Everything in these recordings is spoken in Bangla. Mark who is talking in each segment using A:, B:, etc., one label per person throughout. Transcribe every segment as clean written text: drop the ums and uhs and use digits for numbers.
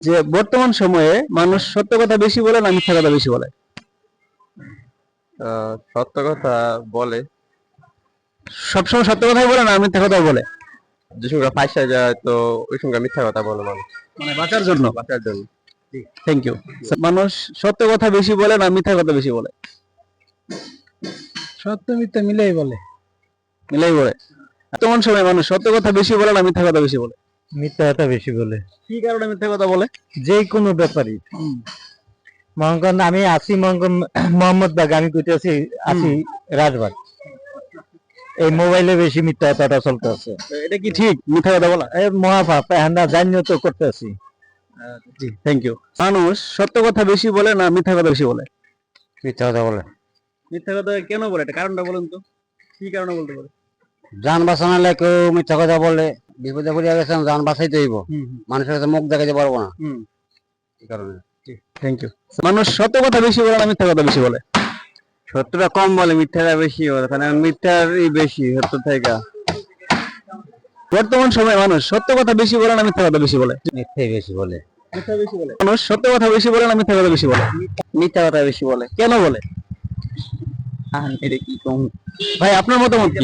A: যে বর্তমান সময়ে মানুষ সত্য কথা বেশি বলে না মিথ্যা কথা বেশি বলে?
B: সত্য কথা বলে।
A: সবসময় সত্য কথাই বলে না মিথ্যা কথা বলে?
B: যে সঙ্গে ফাঁসা যায় তো ওই সঙ্গে মিথ্যা কথা বলে মানুষ
A: মানে বাঁচার জন্য।
B: বাঁচার জন্য।
A: Thank you. মানুষ সত্য কথা বেশি বলে না মিথ্যা কথা বেশি বলে?
C: সত্য মিথ্যা মিলাই বলে।
A: মিলাই বলে। বর্তমান সময়ে মানুষ সত্য কথা বেশি বলে না মিথ্যা কথা বেশি বলে?
C: মিথ্যা কথা বেশি বলে।
A: কি কারণে মিথ্যা কথা বলে?
C: যে কোনো ব্যাপারই মনে করেন আমি আছি মনে করেন মোহাম্মদ বাগ, আমি কইতে আছি রাজবাগ, এই মোবাইলে বেশি মিথ্যা কথাটা চলতে আছে।
A: এটা কি ঠিক মিথ্যা কথা বলা?
C: এই মহাপাপ আমরা জানিও তো করতে আছি।
A: জি থ্যাংক ইউ। মানুষ সত্য কথা বেশি বলে না মিথ্যা কথা বেশি বলে?
C: মিথ্যা কথা বলে।
A: মিথ্যা কথা কেন বলে? এটা কারণটা বলুন তো, কি কারণে বলতে পারে?
C: যান বাঁচানোর লাগে কেউ মিথ্যা কথা বলে, বিপদে পড়ে গেছেন যান বাঁচাইতে হইব, মানুষের কাছে মুখ দেখাতে পারবো না, এই কারণে।
A: Thank you. মানুষ সত্য কথা বেশি বলে না মিথ্যা কথা বেশি বলে?
B: সত্যটা কম বলে, মিথ্যাটা বেশি বলে, কারণ মিথ্যারই বেশি সত্য থেকে।
A: বর্তমান সময়ে মানুষ সত্য কথা বেশি বলে না মিথ্যা কথা বেশি বলে?
C: মিথ্যাই বেশি বলে।
A: মিথ্যা বেশি বলে। মানুষ সত্য কথা বেশি বলে না মিথ্যা কথা বেশি বলে? মিথ্যা কথা বেশি বলে। কেন বলে? এটা কি কম ভাই, আপনার মতামত কি?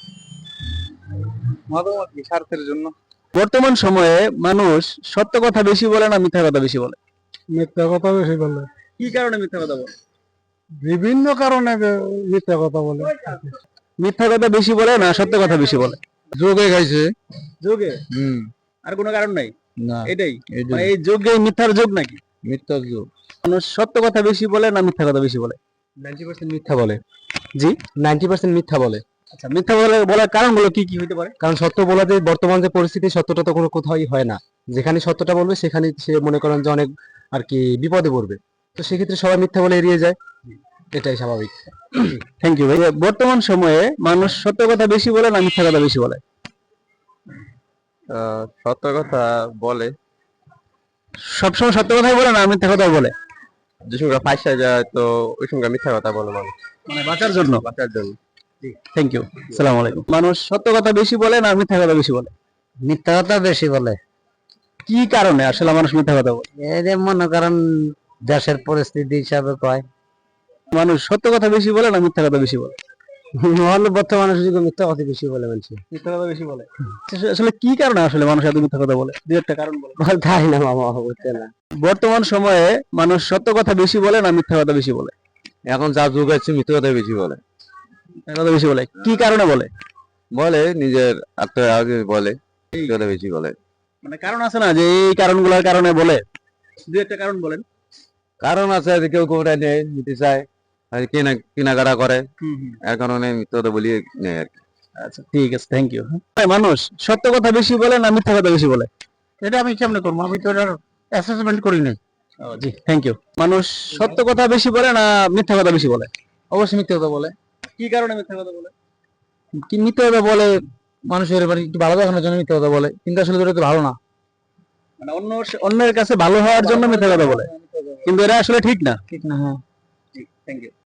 B: মতামত কি? স্বার্থের জন্য।
A: বর্তমান সময়ে মানুষ সত্য কথা বেশি বলে না মিথ্যা কথা বেশি বলে?
C: মিথ্যা কথা বেশি বলে।
A: কি কারণে মিথ্যা কথা বলে?
C: বিভিন্ন কারণে মিথ্যা কথা বলে।
A: মিথ্যা কথা বেশি বলে না সত্য কথা বেশি বলে?
C: যোগে খাইছে।
A: যোগে? আর কোনো কারণ নাই?
C: না,
A: এটাই মানে এই যোগে মিথ্যার যোগ নাকি?
C: মিথ্যার যোগ।
A: মানুষ সত্য কথা বেশি বলে না মিথ্যা কথা বেশি বলে?
C: 90% মিথ্যা বলে।
A: জি
C: 90% মিথ্যা বলে।
A: আচ্ছা, মিথ্যা বলার কারণগুলো কি কি হতে পারে?
C: কারণ সত্য বলাতে বর্তমান যে পরিস্থিতি, সত্যটা তো কোনো কোথাওই হয় না। যেখানে সত্যটা বলবে সেখানে সে মনে করেন যে অনেক আর কি বিপদে পড়বে, তো সেক্ষেত্রে সবাই মিথ্যা বলে এড়িয়ে যায়, এটাই স্বাভাবিক।
A: থ্যাংক ইউ ভাই। বর্তমান সময়ে মানুষ সত্য কথা বেশি বলে না মিথ্যা কথা বেশি বলে?
B: সত্য কথা বলে।
A: সবসময় সত্য কথাই বলে না মিথ্যা কথা বলে?
B: যে সঙ্গে ফাঁসা যায় তো ওই সঙ্গে মিথ্যা কথা বলে মানুষ
A: মানে বাঁচার জন্য।
B: বাঁচার জন্য।
A: Thank you. আসসালামু আলাইকুম। মানুষ সত্য কথা বেশি বলে না মিথ্যা কথা বেশি বলে?
C: মিথ্যা কথা বেশি বলে।
A: কি কারণে আসলে মানুষ মিথ্যা কথা বলে?
C: এই যে মনে করেন দেশের পরিস্থিতি হিসাবে কয়।
A: মানুষ সত্য কথা বেশি বলে না মিথ্যা কথা বেশি বলে?
C: হলে বর্তমানে যুগে মিথ্যা কথা বেশি বলে মানুষ।
A: মিথ্যা কথা বেশি বলে। আসলে কি কারণে আসলে মানুষ এত মিথ্যা কথা বলে? দুই একটা কারণ বলে।
C: তাই না মামা, বুঝতে না।
A: বর্তমান সময়ে মানুষ সত্য কথা বেশি বলে না মিথ্যা কথা বেশি বলে?
B: এখন যা যুগ আছে মিথ্যা কথা বেশি বলে।
A: মিথ্যা কথা বেশি বলে। কি কারণে বলে?
B: বলে নিজের আগে বলে, মিথ্যা কথা বেশি বলে।
A: মানে কারণ আছে না যে এই কারণগুলোর কারণে বলে? দুই একটা কারণ বলেন।
B: কারণ আছে যে কেউ কোনটা নেই নিতে চায়, আর কেনাকাটা করে, এর কারণে মিথ্যা কথা বলি নেই আর কি।
A: আচ্ছা ঠিক আছে, থ্যাংক ইউ। মানুষ সত্য কথা বেশি বলে না মিথ্যা কথা বেশি বলে?
C: এটা আমি কেমনে করবো, আমি তো এটার অ্যাসেসমেন্ট করি নাই।
A: জি থ্যাংক ইউ। মানুষ সত্য কথা বেশি বলে না মিথ্যা কথা বেশি বলে?
C: অবশ্যই মিথ্যা কথা বলে।
A: কি কারণে মিথ্যা কথা বলে?
C: কি মিথ্যা কথা বলে? মানুষের মানে একটু ভালো দেখানোর জন্য মিথ্যা কথা বলে, কিন্তু আসলে এটা তো ভালো না।
A: মানে অন্যের কাছে ভালো হওয়ার জন্য মিথ্যা কথা বলে, কিন্তু এটা আসলে ঠিক না।
C: ঠিক না, হ্যাঁ।
A: Thank you.